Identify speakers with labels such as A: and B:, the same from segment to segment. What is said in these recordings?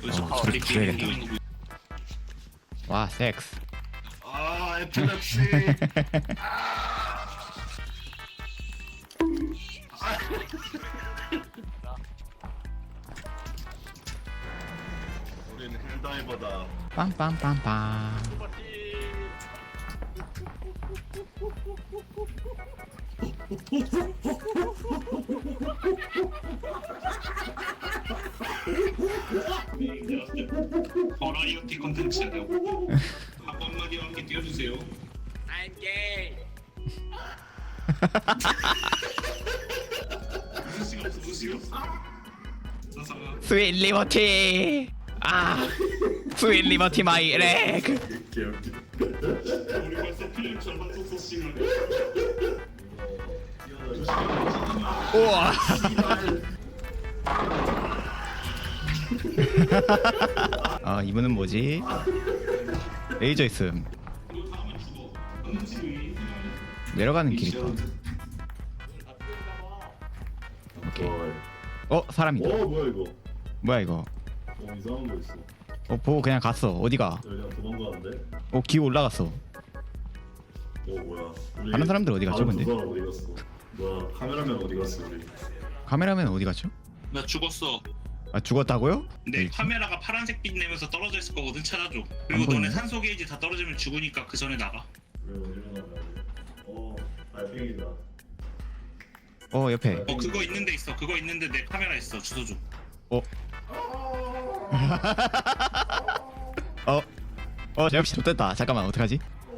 A: 소리 줄여야겠다. 와 섹스.
B: 아 에필lep시. 우리는 힐다이버다.
A: 빰빰빰빰.
B: 버라이어티 컨텐츠예요. 한 번만요 함께 띄워주세요.
C: I'm gay.
B: 무슨 시간 없어 무슨 시간 없어. 사사가
A: 스윗 리버티. 아 스윗 리버티 마이 렉.
B: 우리 벌써 필름 절반 썼어 시간.
A: 우와. 아 이분은 뭐지? 레이저 있음. 내려가는 길 있다. 오케이. 사람이다.
B: 뭐야 이거?
A: 뭐야 이거?
B: 이상한 거 있어.
A: 보고 그냥 갔어. 어디가?
B: 그냥 도망가는데?
A: 기어 올라갔어.
B: 뭐야?
A: 다른 사람들 어디 갔죠, 근데?
B: 사람 어디 갔어? 뭐야? 카메라맨 어디 갔어 우리?
A: 카메라맨 어디 갔죠?
D: 나 죽었어.
A: 아 죽었다고요?
D: 내 카메라가 파란색 빛 내면서 떨어져 있을 거거든. 찾아줘. 그리고
A: 안 보이네.
D: 너네 산소 게이지 다 떨어지면 죽으니까 그 전에 나가.
B: 왜 어디로 나가야 돼? 달팽이다.
A: 옆에.
D: 그거 있는데 있어. 그거 있는데 내 카메라 있어. 주소 줘.
A: 제가 혹시 좋됐다. 잠깐만 어떡하지?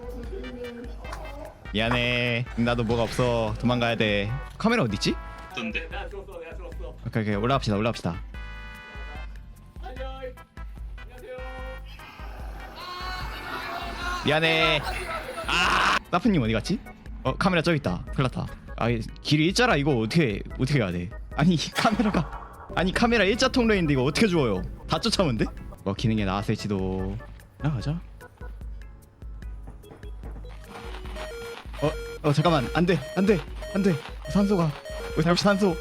A: 미안해. 나도 뭐가 없어. 도망가야 돼. 카메라 어디 있지?
D: 어떤데?
C: 내가 죽었어.
A: 오케이 올라갑시다.
C: 안녕하세요.
A: 미안해. 사프님 어디 갔지? 카메라 저기 있다. 큰일 났다. 길이 일자라. 이거 어떻게 해야 돼? 아니 카메라 일자 통로인데 이거 어떻게 주워요? 다 쫓아오면 돼? 기능에 나왔을지도. 가자. 잠깐만. 안돼. 산소가. 잠시 산소.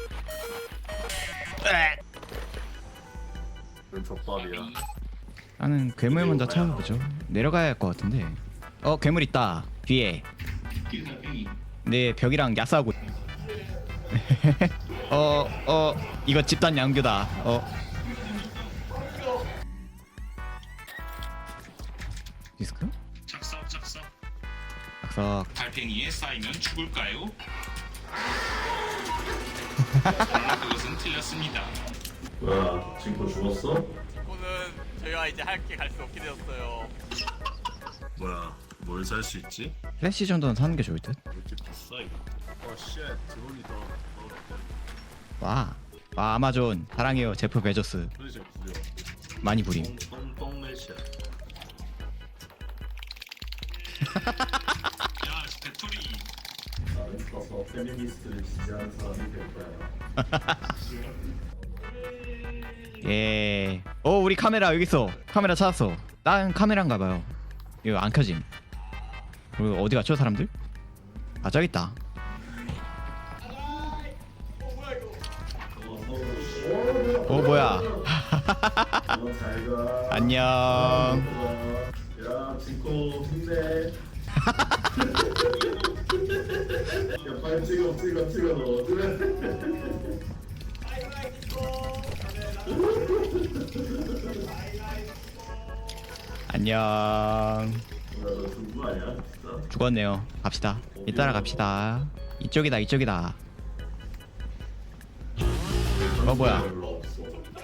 B: 웬 족밥이야.
A: 나는 괴물 먼저 찾아보죠. 내려가야 할 것 같은데. 괴물 있다. 뒤에. 내 벽이랑 야싸하고. 이거 집단 양교다. 디스크?
D: 작석.
A: 악석.
D: 달팽이에 쌓이면 죽을까요? 그러나 그것은 틀렸습니다.
B: 뭐야? 친구 죽었어?
C: 오늘 저희와 이제 함께 갈 수 없게 되었어요.
B: 뭐야? 뭘 살 수 있지?
A: 플래시 정도는 사는 게 좋을 듯.
B: 왜 이렇게 비싸 이거? 쉣 드론이다.
A: 와 아마존 사랑해요. 제프 베조스.
B: 프리즈 구려.
A: 많이 부림.
B: 똥똥똥매샷.
D: 야, 배터리.
B: 나는 커서 페미니스트를 지지하는 사람이 될 거야.
A: 예. 우리 카메라 여기 있어. 카메라 찾았어. 난 카메라인가 봐요. 이거 안 켜짐. 그리고 어디 갔죠 사람들? 저기 있다. 뭐야?
B: 잘가.
A: 안녕.
B: 야, 진코 힘내. 야, 빨리 찍어.
A: 안녕.
B: 너 누구 아니야, 진짜?
A: 죽었네요. 갑시다. 이따라 갑시다. 이쪽이다. 뭐야?
B: 별로 없어.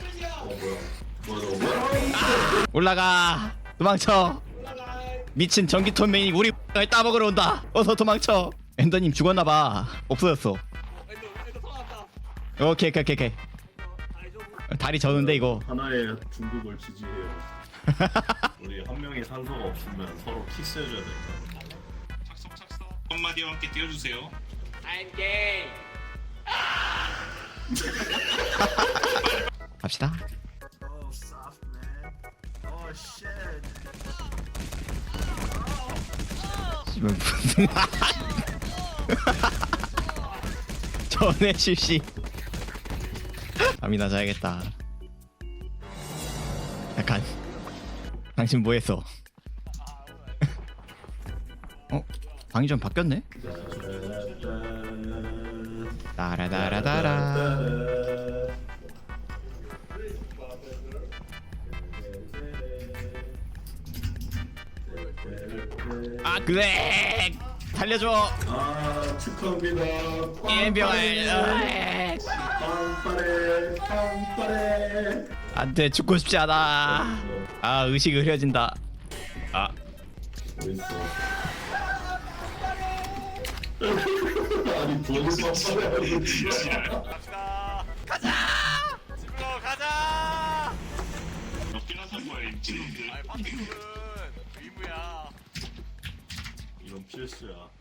B: 뭐야?
A: 올라가. 도망쳐. 미친 전기톱 메인이 우리 를 따먹으러 온다. 어서 도망쳐. 엔더님 죽었나봐. 없어졌어.
C: 애들 살아났다.
A: 오케이. 다리 저는데 이거.
B: 하나의 중국을 지지해요. 우리 한 명이 산소가 없으면 서로 키스해줘야 된다.
D: 작석. 한마디와 함께 띄워주세요.
C: I'm gay.
A: 갑시다.
B: Oh, soft man. Oh shit.
A: 씨발 무슨 전에 실시. 밤이나 자야겠다. 잠깐. 당신 뭐했어? 방이 좀 바뀌었네? 따라다라다라. 아 그래 살려줘.
B: 아 축하합니다.
A: 예병을
B: 빵빠레.
A: 안돼 죽고 싶지 않아. 아 의식이 흐려진다. 아
B: 어딨어? 아니 돈이 없어요.
C: 갑시다. 가자. 집으로 가자.
D: 몇 개나 산 거야 이 친구들.
C: 아이 파트너는 의무야.
B: 이건 필수야.